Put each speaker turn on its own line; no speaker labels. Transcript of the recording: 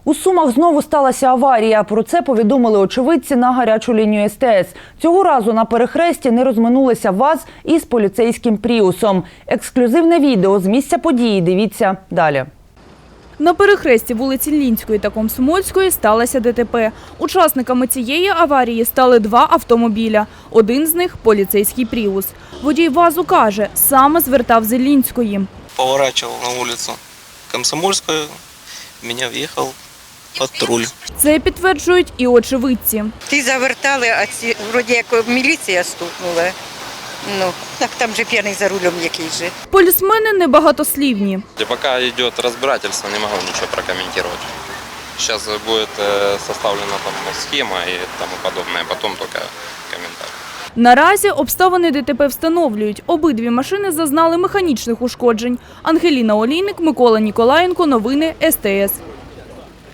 У Сумах знову сталася аварія. Про це повідомили очевидці на гарячу лінію СТС. Цього разу на перехресті не розминулися ВАЗ із поліцейським «Пріусом». Ексклюзивне відео з місця події дивіться далі.
На перехресті вулиці Лінської та Комсомольської сталося ДТП. Учасниками цієї аварії стали два автомобіля. Один з них – поліцейський «Пріус». Водій ВАЗу каже, саме звертав з Лінської.
Поворачивал на улицу Комсомольскую, в меня въехал патруль.
Це підтверджують і очевидці.
Ті завертали, а ці, вроді як міліція стукнула. Ну, так там же п'яний за рулем який же.
Полісмени небагатослівні.
Пока идет разбирательство, не могу ничего прокомментировать. Сейчас будет составлена там схема и тому подобное, потом только комментарий.
Наразі обставини ДТП встановлюють. Обидві машини зазнали механічних ушкоджень. Ангеліна Олійник, Микола Ніколаєнко. Новини СТС.